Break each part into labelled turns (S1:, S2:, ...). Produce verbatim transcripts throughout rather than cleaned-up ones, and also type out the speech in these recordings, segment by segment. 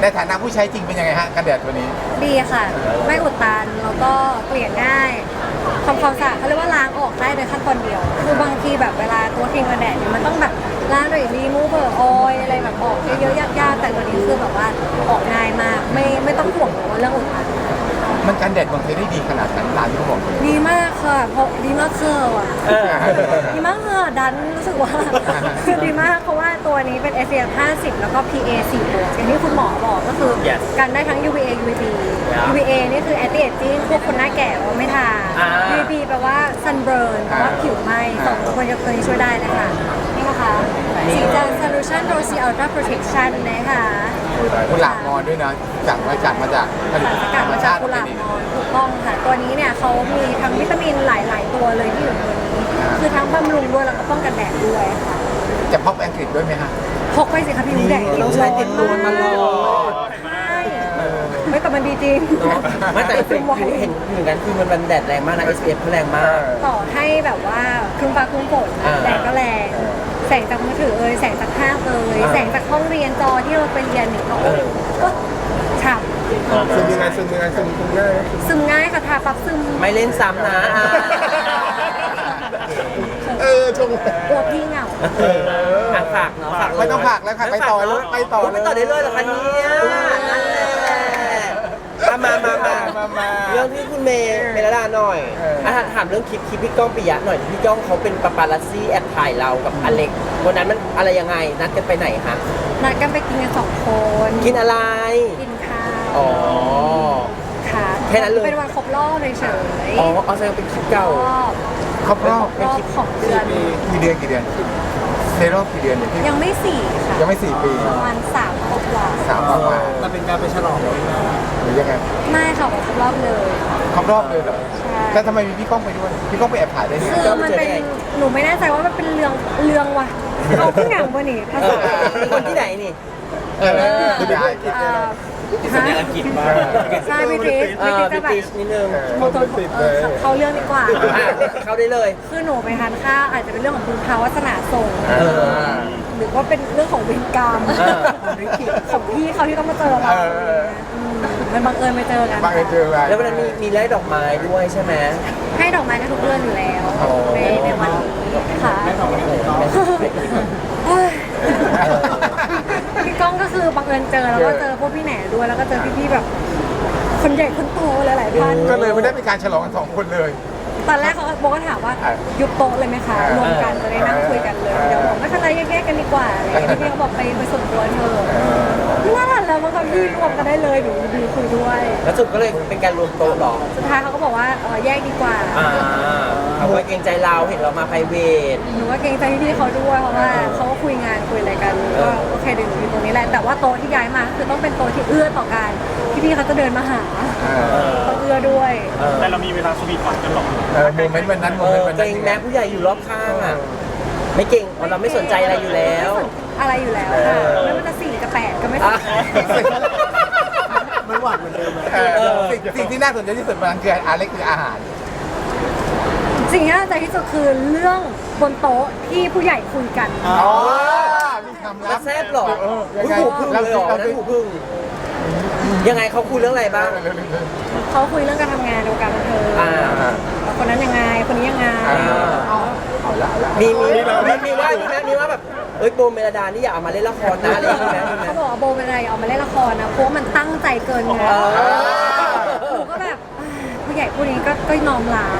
S1: ในฐานะผู้ใช้จริงเป็นยังไงฮะกันแดดตัวนี้
S2: ดีค่ะไม่อุดตันแล้วก็เกลี่ยง่ายทำความสะอาดเขาเรียกว่าล้างออกได้โดยขั้นตอนเดียวคือบางทีแบบเวลาตัวครีมกันแดดเนี่ยมันต้องแบบล้างด้วยรีมูเวอร์ออยอะไรแบบออกเยอะๆยากๆแต่ตัวนี้คือแบบว่าออกง่ายมากไม่ไม่ต้องห่วงเรื่องอุดตัน
S1: มันกันแดดมันเคยได้ดีขนาดนั้นตามที่เขาบอกเลย
S2: ดีมากค่ะเพราะดีมากคืออ่ะดีมากค่ะดันรู้สึกว่าคือดีมากเพราะว่าตัวนี้เป็น เอส พี เอฟ ห้าสิบแล้วก็ พี เอ สี่บวกอย่างที่คุณหมอบอกก็คือกันได้ทั้ง ยู วี เอ ยู วี บี ยู วี เอ นี่คือ anti aging พวกคนหน้าแก่ว่าไม่ทา ยู วี บี แปลว่า sunburn แปลว่าผิวไหม้สองตัวตัวนี้ช่วยได้เลยค่ะนี่นะคะสีจัน solution rosy ultra protection นะคะ
S1: กุหลาบมอนด้วยนะจากมาจากมาจาก
S2: สารสกัดมาจากกุหลาบมอนถูกต้องค่ะตัวนี้เนี่ยเขามีทั้งวิตามินหลาย ๆ ตัวเลยที่อยู่ในตัวนี้คือทั้งบำรุงด้วยแล้วก็ป้องกันแดดด้วยค่ะ
S1: จะพกอังกฤษด้วยไหมฮะ
S2: พกไปสิคะพี่นุ้ยแดดต้องใช้ติดตัวตลอดใช่ไม่แต่มันดีจริง
S3: ไม่แต่เห็นเหมือนกันคือมันมันแดดแรงมากนะ เอส พี เอฟ แรงมาก
S2: ต่อให้แบบว่าครึ้มฟ้าครึ้มฝนแดดก็แรงแสงจากมือถือเอ่ยแสงจากภาพเอ่ยแสงจากห้องเรียนจอที่เราไปเรียนเนี่ยเขาก็ฉ่ำ
S1: ซึมยังไงซึมยังไงซึมซึมง่าย
S2: ซึมง่ายค่ะทาปั๊บซึม
S3: ไม่เล่นซ้ำนะ
S1: เออชง
S2: ตัวพี่เหงา
S3: ฝากเนาะฝาก
S1: ไม่ต้องฝากแล้วค่ะไปต่อเลยไปต่อ
S3: ไปต่อได้เลยเหรอคะเนี่ยนั่นแหละมามามาเรื่องที่คุณเมย์เมลดาหน่อยถามเรื่องคลิปคลิปพี่ก้องปิยะหน่อยพี่ก้องเขาเป็นปาปารัสซี่แอบถ่ายเรากับอเล็กวันนั้นมันอะไรยังไงนัดกันไปไหนคะ
S2: นัดกันไปกินกันสองคน
S3: กินอะไร
S2: กินข้าว
S3: อ๋อ
S2: ค่ะ
S3: แค่นั้นเลย
S2: เป็นวันครบรอบเลยเฉย
S3: อ๋อเอาแสดงเป็นคลิปเก่า
S1: ครบรอบ
S2: รอบของเดือน
S1: กี่เดือนกี่เดือนในรอบกี่เดือนเนี่ย
S2: ยังไม่สี่ค่ะ
S1: ยังไม่สี่ปี
S2: ประมาณสามกว่า
S1: สามกว่า
S3: มันเป็นการไปฉลองห
S1: รือยังไง
S2: ไม่ค่ะครบรอบเลย
S1: ครบรอบเลยเหรอใช่แล้วทำไมมีพี่ก้องไปด้วยพี่ก้องไปแอบถ่ายได้ไง
S2: คือมันเป็นหนูไม่แน่ใจว่ามันเป็นเรื่องเรื่องว่ะเอาขึ้นหนังวะนี่ภาษา
S3: คนที่ไหนนี่
S1: เออที่ไหน
S3: สัญญาอังกฤษมา
S2: ใช่พี่ทิสพี่ทิสจะแบบ
S3: นิดนึง
S2: โมโตเขาเรื่องดีกว่า
S3: เขาได้เลย
S2: คือหนูไปทานข้าวอาจจะเป็นเรื่องของบุญภาวาสนาส่งหรือว่าเป็นเรื่องของเวรกรรมของพี่เขาที่ต้องมาเจอเรามันบังเอิญไปเจอกัน
S1: บังเอิญเจอกัน
S3: แล้ววันนั้นมีมีไล่ดอกไม้ด้วยใช่ไหม
S2: ให้ดอกไม้กันทุกเดือนอยู่แล้วในในวันนี้ค่ะพี่ก้องก็คือบังเอิญเจอแล้วก็เจอพวกพี่แหน่ด้วยแล้วก็เจอพี่ๆแบบคนใหญ่คนโตหลายๆท่าน
S1: ก็เลยไม่ได้เป็นการฉลองกันสองคนเลย
S2: ตอนแรกเขาโบก็ถามว่ายุบโต๊ะเลยไหมคะรวมกันจะได้นั่งคุยกันเลยเดี๋ยวผมไม่เป็นไรแยกๆกันดีกว่าอะไรอย่างเงี้ยพี่เขาบอกไปไปส่วนตัวเธอน่ารักแล้วมันก็พี่รวมกันได้เลยหนูดีคุยด้วย
S3: แล้วสุดก็เลยเป็นการรวมโต๊ะหรอ
S2: สุดท้ายเขาก็บอกว่าแยกดีกว่า
S3: เขาก็เกรงใจเราเห็นเรามาไพรเวท
S2: หนูก็เกรงใจพี่เขาด้วยเพราะว่าเขาก็คุยงานคุยอะไรกันก็โอเคเดี๋ยวหนูอยู่ตรงนี้แหละแต่ว่าโต๊ะที่ย้ายมาคือต้องเป็นโต๊ะที่เอื้อต่อกันพี่ๆเขาจะเดินมาหาเขาเอื้อด้วย
S4: แต่เรามีเวลาสวีทหวานกันหรอก
S1: โมเมนต์วันนั้นโมเมนต์วันนั้น
S3: เกรงแม้ผู้ใหญ่อยู่รอบข้างอ่ะไม่เก่งเราไม่สนใจอะไรอยู่แล้ว
S2: อะไรอยู่แล้วค่ะไม่ว่าจะสี่กับแปดก็ไม่สนใจ
S3: ไม่หวานเหมือนเดิม
S1: สิ่งที่น่าสนใจที่สุดมันคืออะไรคืออาหาร
S2: สิ่งที่น่าสนใจที่สุดคือเรื่องบนโต๊ะที่ผู้ใหญ่คุยกัน
S1: อ๋อมีคำลับ
S3: แซ่บหรอหูพึ่งเลยหรอนั่นหูพึ่งยังไงเขาคุยเรื่องอะไรบ้าง
S2: เขาคุยเรื่องการทำงานในวงการบันเทิงคนนั้นยังไงคนนี้ยังไง
S3: มีมีมีว่ามีไหมมีว่าแบบเอ้ยโบเมลดานี่อยากเอามาเล่นละครนะอะไรอย่างเงี้ย
S2: เขาบอกว่าโบเมลดาอยากเอามาเล่นละครนะเพราะมันตั้งใจเกินไงหนูก็แบบผู้ใหญ่ผู้นี้ก็ก็น้อมรับ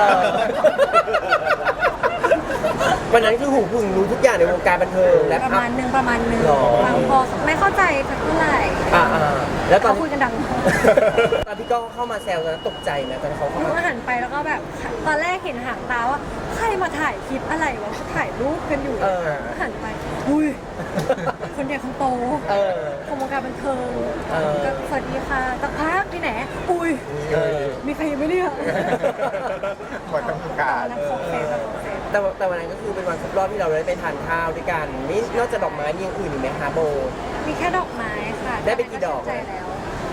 S3: วันนั้นคือหูพึ่งรู้ทุกอย่างในวงการบันเทิงแล้ว
S2: ประมาณนึงประมาณนึงบางพอไม่เข้าใจสักเท่าไหร่
S3: แล้วตอน
S2: คุยกันดัง
S3: ตอนพี่ก้องเข้ามาแซวตอนนั้นตกใจไหมตอนเขาเข้า
S2: มาหันไปแล้วก็แบบตอนแรกเห็นหางตาว่าใครมาถ่ายคลิปอะไรวะถ่ายรูปกันอยู่หันไปอุ้ยคนใหญ่คนโตของวงการบันเทิงก็สวัสดีค่ะตะพักที่ไหนอุ้ยมีใครยังไม่เรียก
S1: หมดต้องการ
S3: แต่แต่วันนั้นก็คือเป็นวันครบรอบที่เราได้ไปทานข้าวด้วยกันนี่นอกจากดอกไม้มีอย่างอื่นอีกไหมคะโบ
S2: มีแค่ดอกไม้ค่ะ
S3: ได้ไปกี่ดอก
S2: ใจแล้ว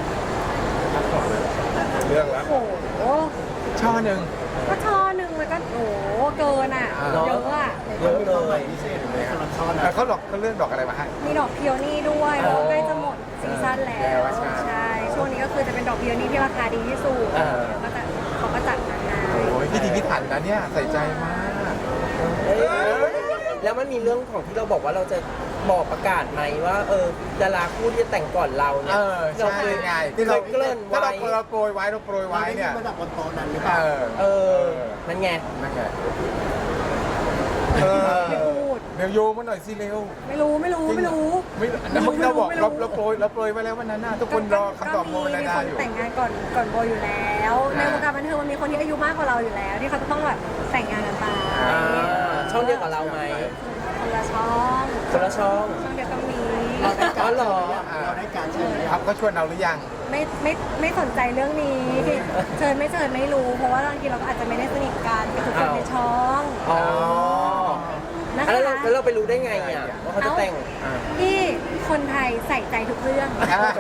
S1: เรื่องแล้ว
S2: โอ้โห
S1: ช่อหนึ่ง
S2: ก็ช่อหนึ่งมันก็โอ้เกินอ่ะเยอะอ่ะ
S3: เยอะเลย
S1: เขาหลอกเขาเลือกดอกอะไรมาให้
S2: มีดอกเพียวนี่ด้วยเพราะใกล้จะหมดซีซั่นแล้
S1: แล้ว
S2: ว
S1: ใช่
S2: ใช่ช่วงนี้ก็คือจะเป็นดอกพิโอนี่ที่ราคาดีที่สุดก็จะเขาก็จัดมาให้
S1: โอ้ยพี่ดีพี่ถันนะเนี่ยใส่ใจมาก
S3: เอ้ยแล้วมันมีเรื่องของที่เราบอกว่าเราจะบอกประกาศไหมว่าเออดาราคู่ที่จะแต่งก่อนเราเนี่
S1: เอย อ
S3: เรา
S1: ใช่
S3: เคย
S1: ไง
S3: ที่เราเกริ่น
S1: ถ้า
S3: ไว้
S1: เราเราโปรยไว้เราโปรยไว้เนี่ย
S5: มาจากบนโต๊ะนั้นหรือเปล่า
S1: เออ
S3: เออนั่นไง
S1: นั่นไงเออ
S2: ไม่พูด
S1: เดี๋ยวโยมาหน่อยสิเร็ว
S2: ไม่รู้ไม่รู้ไม่รู้
S1: ไม่
S2: ไม่รู้
S1: เราบอก
S2: ไม่รู้
S1: เราเราโปรยเราโปรยไว้แล้ววันนั้นน่ะทุกคนรอคำตอบโม
S2: ก็
S1: นา
S2: มี
S1: ดา
S2: คน
S1: อยู่
S2: แต่งงานก่อนก่อนโบอยู่แล้ว ในวงการบันเทิงมันมีคนที่อายุมากกว่าเราอยู่แล้ว ที่เขาจะต้องแบบแต่งงานกันไป
S3: อ่าช่องเดียวกับเราไหม
S2: คนละช่อง
S3: คนละช่อง
S2: ช่องเดียวก็มี
S5: เราได้การ
S3: อ๋อเหรอ
S5: เราได้การเชิญ
S1: ครับก็ชวนเราหรือยัง
S2: ไม่ไม่ไม่สนใจเรื่องนี้เชิญไม่เชิญไม่รู้ เพราะว่าบางทีเราก็อาจจะไม่ได้สนิทกันกับทุกคนในช่อง
S3: อ๋อ
S2: นะ
S3: แล้ว
S2: คะ
S3: เราแล้วเราไปรู้ได้ไงอ่ะว่าเขาจะแต่ง
S2: ที่คนไทยใส่ใจทุกเรื่อง
S1: อ่า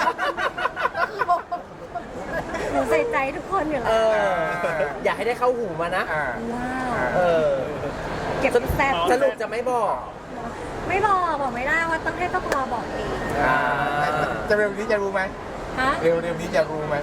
S2: หนูใส่ใจทุกคนอยู่
S3: เอ
S2: แล้ว
S3: อ อยากให้ได้เข้าหูมานะ
S1: อ่า
S2: ว้าว
S3: เออ
S2: เก็บแซ่บ
S3: สรุปจะไม่บอก
S2: ไม่บอกบอกไม่ได้ว่าต้องให้ต้องรอบอกเอง
S1: อ่าจะเร็วนี้จะรู้ไหม
S2: ฮะ
S1: เร็วเร็วนี้จะรู้ไหม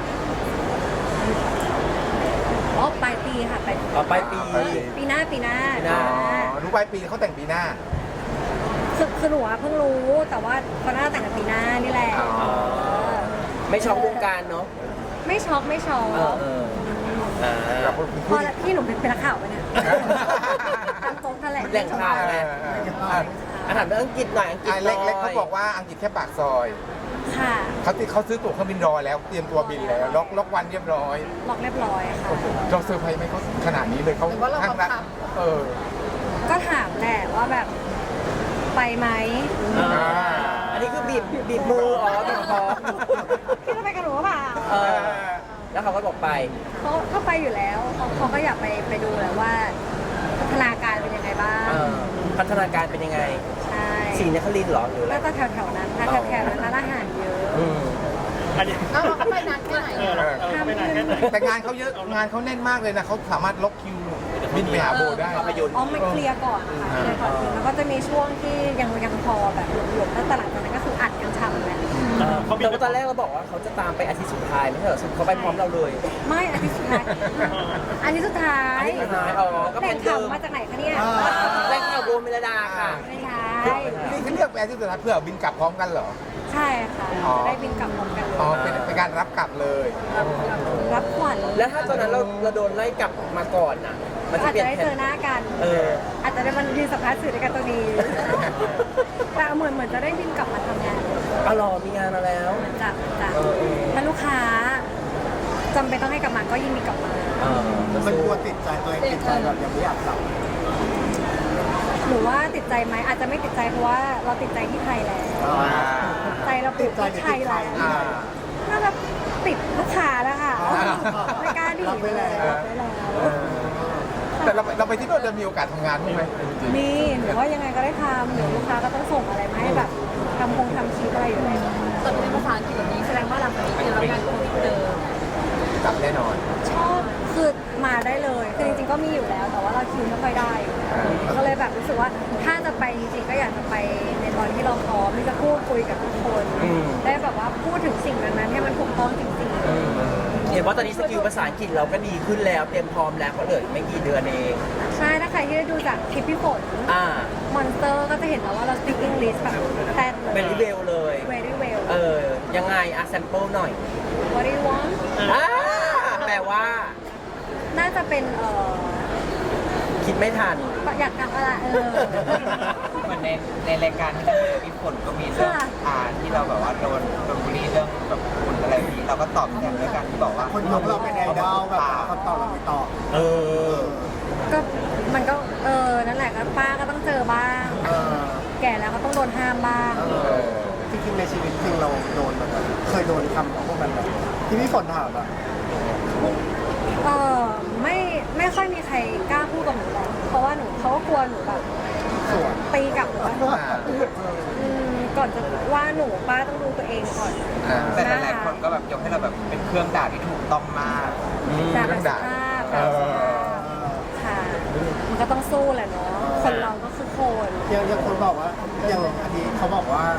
S2: อ๋อปลายปีค่ะปลายปี
S3: อ๋อปลายปี
S2: ปีหน้าปีหน้า
S3: ปีหน้า
S1: อ๋อรู้ปลายปีเขาแต่งปีหน้า
S2: คือคือหนูอะเพิ่งรู้แต่ว่าเขาน่าจะแต่งกันปีหน้านี่แหละ
S1: อ๋อ
S3: ไม่ช็อกวงการเนาะ
S2: ไม่ช็อกไม่ช็อก
S3: เออเอออ่า
S1: กับ
S2: พ
S1: ผู้
S2: อ
S1: หญิ
S2: ละ
S1: ง
S2: พี่หนูเป็นเป็นนักข่าวไปะเนี่ยตามโต๊ะแถลง
S3: แหล่งข่าวไง
S1: เออเออเออ
S3: อาถามเรื่องอังกฤษหน่อยอังกฤษ
S1: อ่ะ
S3: หน่
S1: เล็
S3: อก
S1: เล็กเขา
S3: ย
S1: บอกว่าอังกฤษแค่ปากซอย
S2: ค่ะ
S1: เขาติเขาซื้อตั๋วเครื่องบินรอแล้วเตรียมตัวบินแล้วล็อกล็อกวันเรียบร้อย
S2: ล็อกเรียบร้อยค่ะ
S1: เราเซอร์ไพรส์ไหมเขาขนาดนี้เลยเขาข้างรักเออ
S2: ก็ถามแหละว่าแบบไปไหม
S3: อ่าอันนี้คือบีบบีบมืออ๋อบีบคอ
S2: พี่จะไปกับหนูหรือเปล่า
S3: เออแล้วเขาก็บอกไป
S2: เขาเขาไปอยู่แล้วเขาเขาก็อยากไปไปดูแหละว่าพัฒนาการเป็นยังไงบ้าง
S3: เออพัฒนาการเป็นยังไง
S2: ใช่
S3: สีนครินทร์เหรอหรืออะไร
S2: แล้วก็แถวแถวๆนั้นถ้าแถวแถวๆนั้นร้านอาหารเยอะ
S3: อืม
S4: อันนี้
S5: เอ้าเราก็ไปนานแค่ไหน
S4: เออเราเออไปไหนแค่ไหน
S1: แต่งานเขาเยอะงานเขาแน่นมากเลยนะเขาสามารถล็อกคิวบินไปหาโบได้
S3: ภาพยนตร์
S2: อ๋อไม่เคลียร์ก่อนค่ะเคลียร์ก่อนแล้วก็จะมีช่วงที่ยังยังพอแบบหลวมๆแล้วแต่หลังจากนั้นก็คืออัดกันฉ่ำแล้ว
S3: เออแต่ว่าตอนแรกเราบอกว่าเขาจะตามไปอาทิตย์สุดท้ายไม่ใช่เหรอเขาไปพร้อมเราเลย
S2: ไม่อันที่สุดท้ายอันนี้สุดท้าย
S3: อันนี้สุดท้ายอ๋อก็
S2: แต่
S3: เป็
S2: ง
S3: น
S2: ข่า
S3: เดิ
S2: ว
S3: ม
S2: มาจากไหนคะเนี่ย
S3: แรงข่าวโบเมลดาค่ะ
S2: ไม่ใช่
S1: นี่คือเลือกแอร์ที่สุดท้ายเพื่อบินกลับพร้อมกันเหรอ
S2: ใช่ค่ะ
S1: อ๋อ
S2: จะได้บินกลับพร้อมกันเลย
S1: อ๋อเป็นเป็นการรับกลับเลย
S2: รับขวัญ
S3: แล้วถ้าตอนนั้นเราเราโดนไล่กลับมาก่อนน่ะ มันจะ
S2: อาจ
S3: เปลี่ย
S2: จะ
S3: น
S2: ได้
S3: แผ
S2: เจอน หน้ากัน
S3: เออ
S2: อาจจะได้มันยืนสัมภาษณ์สื่อด้วยกันตัวนี้ แต่เหมือนเหมือนจะได้บินกลับมาทำงาน
S3: อ๋อเหรอมีงานมาแล้ว
S2: จากจาก
S3: เออเออ
S2: ถ้าลูกค้าจำเป็นต้องให้กลับมาก็ยินดีกลับมา
S3: เออ
S5: มันกลัวติดใจตัวเองติดใจแบบยังไม่อยากกลับ
S2: หนูว่าติดใจไหมอาจจะไม่ติดใจเพราะว่าเราติดใจที่ไทยแล้ว ใจเราติดที่ไทยแล้ว
S1: อ่า
S2: น่าจะติดลูกค้าแล้วค่ะ
S1: อ่า
S2: ไม่กล้าดี
S5: รับไว้แล้ว
S2: รับไว้แล้ว
S1: แต่เราเราไปที่โน่นจะมีโอกาสทำงานบ้างไหมจริง
S2: มีหนูว่ายังไงก็ได้ทำหรือลูกค้าก็ต้องส่งอะไรมาให้แบบทำคงทำคลิปอะไรอยู่แล้ว
S6: ตอนนี้ภาษาอังกฤษแบบนี้แสดงว่าหลังจากนี้จะรับงานโควิดเดิม
S1: ๆกลับแน่นอน
S2: ชอบคือมาได้เลยคือจริงๆก็มีอยู่แล้ว แต่ว่าเราคิวไม่ค่อยได้ก็เลยแบบรู้สึกว่าถ้าจะไปจริงๆก็อยากจะไปในตอนที่เราพร้อมที่จะพูดคุยกับทุกคน
S3: อืม
S2: ได้แบบว่าพูดถึงสิ่งนั้นๆให้มันถูกต้องจริงๆ
S3: เห็นว่าตอนนี้สกิลภาษาอังกฤษเราก็ดีขึ้นแล้ว เตรียมพร้อมแล้วเพราะเหลืออีกไม่กี่เดือนเอง
S2: ใช่ถ้าใครที่ได้ดูจากคลิปพี่ฝน
S3: อ่า
S2: มอนสเตอร์ก็จะเห็นแล้วว่าเรา speak English แบบแต้น
S3: เป็นรีเวลเลย
S2: very well
S3: เออ ยังไงอะแซมเปิลหน่อย
S2: what do you want
S3: อ่าแปลว่า
S2: น่าจะเป็นเอ่อ
S3: คิดไม่ทัน
S2: อยากทำอะไรเออ
S7: เหมือนในในรายการที่เรามีผลก็มีเรื่อง
S2: ค่ะ
S7: อ่าที่เราแบบว่าโดนโดนบูลลี่เรื่องแบบคุณอะไรแบบนี้เราก็ตอบแทนด้วยการที่บอกว่า
S5: คนยกเราเป็นไอดอลแบบคำตอบเราไม่ตอบ
S3: เออ
S2: ก็มันก็เออนั่นแหละก็ป้าก็ต้องเจอบ้าง
S5: เออ
S2: แก่แล้วก็ต้องโดนห้ามบ้าง
S5: เออจริงๆในชีวิตจริงเราโดนแบบเคยโดนคำของพวกมันแบบที่พี่ฝนถามอะ
S2: เออไม่ไม่ค่อยมีใครกล้าพูดกับหนูหรอกเพราะว่าหนูเขาก็กลัวหนูแบบ
S5: สวน
S2: ตีกลับหรือว่าอืมก่อนจะว่าหนูป้าต้องดูตัวเองก่อน
S1: อ่า
S7: แต่หลายๆคนก็แบบยกให้เราแบบเป็นเครื่องด่าที่ถูกต้องมาก
S2: จาก
S1: เรื่อง
S2: ส
S1: ด่า
S2: ภาพ
S1: เอ
S2: จากส
S1: อ
S2: ภาพค่ะ มันก็ต้องสู้แหละเนาะ คนเราก็คือคน
S5: ยังยังคนบอกว่าอย่างอันนี้เขาบอกว่า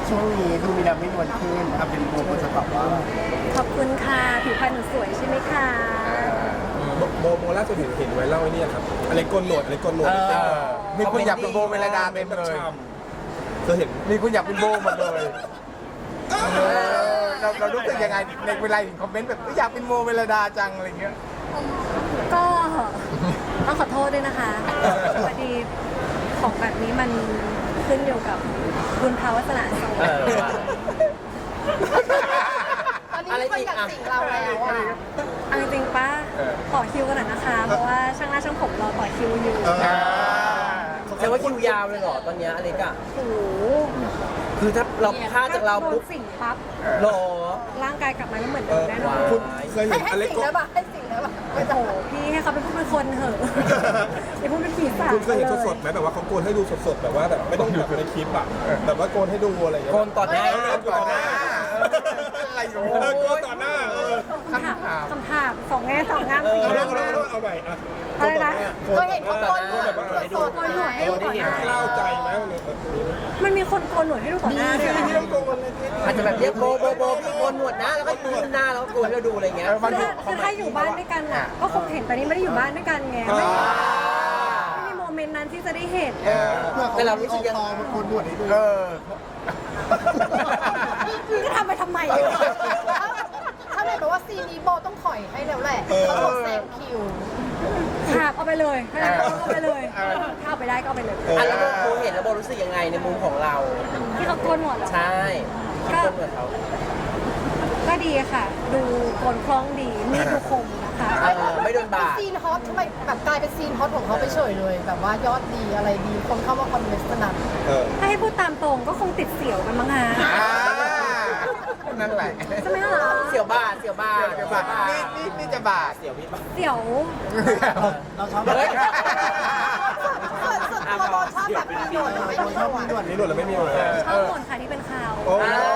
S5: ช่วงนี้ดูมีน้ำไม่นวลขึ้นเอาเป็นโบก็จะตอบว่า
S2: ขอบคุณค่ะผิวพรรณหนูสวยใช่ไหมคะ
S8: โบโบโบล่าสุดเห็นเห็นไว้เล่าไอ้นี่ครับอะไรโกนหนวดอะไรโกนหนวด
S3: เออ
S8: เต็ม
S1: เออมีคุณอยากเป็นโบเมลดาเต็มเลย
S8: เธอเห็น
S1: มีคุณอยากเป็นโบหมดเลยเออเราเรารู้สึกยังไงในเวลาเห็นคอมเมนต์แบบอยากเป็นโบเมลดาจังอะไรเงี้ย
S2: ก็ต้องขอโทษด้วยนะคะพอดีของแบบนี้มันขึ้นอยู่กับบุญภาวาสนาสวร
S3: เอ
S2: ร
S3: อ
S2: ค์
S3: ว่า
S6: ตอนนี้มีคนอยากสิงเราแล้วอ่ะ
S2: เอาจริงๆป้าต่อคิวกันหน่อยนะคะ เพราะว่าช่างหน้าช่างผมรอต่อคิวอยู่
S3: แสดงว่าคิวยาวเลยเหรอตอนเนี้ยอเล็กอะ
S2: โอ้โห
S3: คือถ้าเราพลาดจากเรา
S2: โด
S3: ปุ๊
S2: น
S3: บ
S2: สิ่งปั๊บ
S3: หรอ
S2: ร่างกายกลับมาไม่เหมือนเดิมแน่นอน
S8: คุณเคย
S6: ให้
S8: เห็น
S6: ให้
S8: อเล็ก
S6: สิง
S8: โก
S6: ได้ปะให้สิงได้ปะ
S2: โอ้โหพี่ให้เขาเป็นผู้เป็นคนเถอะอย่าพูดเป็นผีสาง
S8: คุณเคยเห็น
S2: ล
S8: สดๆไหมแบบว่าเขาโกนให้ดูสดๆแบบว่าแบบไม่ต้องแบบในคลิปอะแบบว่าโกนให้ดูอะไรอย่างเงี้ย
S3: โกนต่อหน้า
S1: ก่อนหน้าอะไรอยู่
S8: เออโกนต่อหน้าเออ
S2: คำถามคำถามสองแง่สองงามสี่
S8: เอา
S2: งา
S8: แล้
S2: ม
S8: วเอาแล้วเอาใหม่อะ
S2: อะไรนะ
S6: เคยเห็นเขาโกนหนวดสด
S2: โกนหนวดให้ดูต่อหน้า
S8: เล่าใจไหมวันนี้แบบนี้
S2: มันมีคนโกนหนวดให้ดูต่อหน้าด้วยเหรอ
S8: ที่ต้องโกนเลย
S3: อาจจะแบบเรียกโบโบโบพี่โกนหนวดนะแล้วก็ยืนหน้าแล้วก็โกนให้เราดูอะไรเงี้ย
S2: คือถ้าคือถ้าอยู่บ้านด้วยกันอ่ะ ก็คงเห็นแต่นี้ไม่ได้อยู่บ้านด้วยกันไงไม่มีไม่มีโมเมนต์นั้นที่จะได้เห็น
S1: เออ
S5: เพื่อ
S3: แต่
S5: เขา
S3: เรา
S5: รู้
S3: รู้
S5: สึ
S3: สึ
S5: ก
S3: ก
S5: ยั
S3: ยัง ง
S5: มันโกนด่วนให้ดู
S1: เออ
S2: จะทำไปทำไม
S6: ถ้าเลยบอกว่าซีนนี้โบต้องถอยให้แล้วแหละเขาบอกแซงคิว
S2: ขาบเอาไปเลยถ้างั้นก็เอาไปเลยถ้าเอาไปได้ก็เอาไปเลย
S3: อ่ะแล้วโบโบเห็นแล้วโบรู้สึกยังไงในมุมของเรา
S2: ที่เขาโกนหนวดเหรอ
S3: ใช่คิดโกนหนวดเขา
S2: ก็ดีค่ะ ดูโกนคล้องดีมีดดูคมนะคะ
S3: เออไม่โดนบาด
S6: ซีนฮอตทำไมแบบกลายเป็นซีนฮอตของเขาไปเฉยเลย แบบว่ายอดดีอะไรดีคนเข้ามาคอมเมนต์สนั่น
S8: เออ
S2: ถ้าให้พูดตามตรงก็คงติดเสี่ยวกันมั้งฮะ
S1: อ่านั่นแหละ
S2: ใช่ไหมคะ
S3: เสียวบาดเสียวบาด
S1: เดี๋ยวบาทนี่นี่นี่จะบาท
S3: เสียวพี่บาด
S2: เสี่ยว
S5: เราชอบ
S3: เฮ้ย
S6: ส่วนส่วนตัวโบชอบแบบมีหนวดหรือไม่มีหนวด
S5: ด่วน
S8: นี่หนวดแล้วไม่มีหนวด
S2: ชอบคนค่ะที่เป็นข่าว
S8: โอ้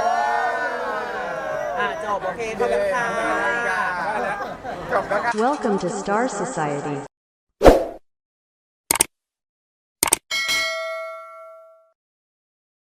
S3: อ่ะจบโอเคขอบคุณค่ะ
S1: จบแล้วครับ
S9: Welcome to Star Society.